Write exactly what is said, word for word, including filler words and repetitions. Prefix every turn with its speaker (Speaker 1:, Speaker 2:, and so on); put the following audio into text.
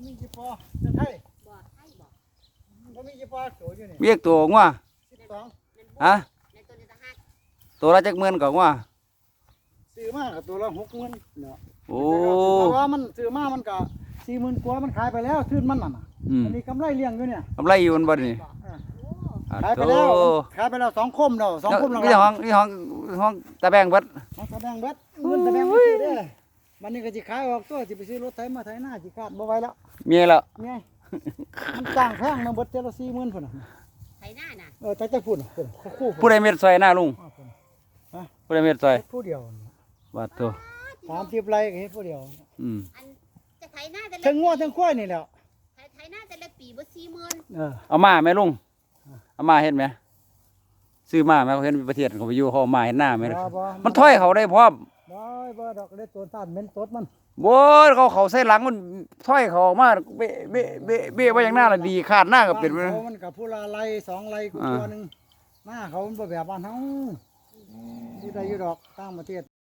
Speaker 1: มีกี่ปอจะไทย
Speaker 2: บ่ไทยบ่
Speaker 1: มันมีกี่ปอโตอยู่นี่
Speaker 3: เรียกตัวงัว
Speaker 1: สิบสอง
Speaker 3: ฮะ
Speaker 2: ในตัวนี้ตะฮัก
Speaker 3: ตัวละจักหมื่นก็งัว
Speaker 1: ซื้อมากับตัวละหกหมื่นเนาะ
Speaker 3: โอ้
Speaker 1: แต่ว่ามันซื้อมามันก็สี่หมื่นกว่ามันขายไปแล้วทื่นมันน่ะ
Speaker 3: อืม
Speaker 1: อันนี้กำไรเลี้ยงอยู่เนี่ย
Speaker 3: กำไรอยู่มันบ่นี่
Speaker 2: บ่
Speaker 1: อ่า
Speaker 2: โอ้
Speaker 3: อ่ะ
Speaker 1: ขายไป
Speaker 3: โต
Speaker 1: แล้วขายไปแล้วสองคมเนาะสองคมหลัง
Speaker 3: นี่ห้องนี่ห้องห้องตะแบงเบิด
Speaker 1: ของตะแบงเบ็ดเงินตะแบงไปซื้อได้มันนี่ก็สิขายออกตัวสิไปซื้อรถไถมาไถหน้าสิขาดบ่ไหวแล้ว
Speaker 3: เมียแล้ว
Speaker 1: ไงมันจ้างแพงนะเบิดเจละสี่หมื่นพุ่นน่ะ
Speaker 2: ไทยหน้าน่ะ
Speaker 1: เออแต่จะพุ่นน่ะพุ่นคู่
Speaker 3: ผู้ใดเม็ดซอยหน้าลุง
Speaker 1: อ่าพุ่น
Speaker 3: ผู้ใดเม็ดซอย
Speaker 1: ผู้เดียว
Speaker 3: บาดตัว
Speaker 1: สามสิบไร่ก็เฮ็ดผู้เดียว
Speaker 3: อืม
Speaker 2: อันจะไทยหน้าแต่ละ
Speaker 1: ทั้งงัวทั้งควายนี่แหละ
Speaker 2: ไทยไทยหน้าแต่ละปีบ่สี่หมื่น
Speaker 1: เออ
Speaker 3: เอามาไหมลุงเอามาเห็นไหมซื้อมาไหมเขาเห็นประเทศเขาไปอยู่เขาเอามาเห็นหน้าไหม
Speaker 1: บ่บ่
Speaker 3: มันถ้อยเขาได้พร้อม
Speaker 1: บ่บ่ดอกได้ตัวต้านเม็นตดมัน
Speaker 3: โว้ยเขาเขาใส่หลังมันถ้อยเขาออกมาเบะเบะเบะเบะไว้อย่างหน้าละดีขาดหน้าก็เป็นไป
Speaker 1: บ้านเขามันกับผู้ละไร่สองไร่กูตัวหนึงหน้าเขามันบ่แบบบ้านเฮาที่ใดอยู่ดอกต่างประเทศ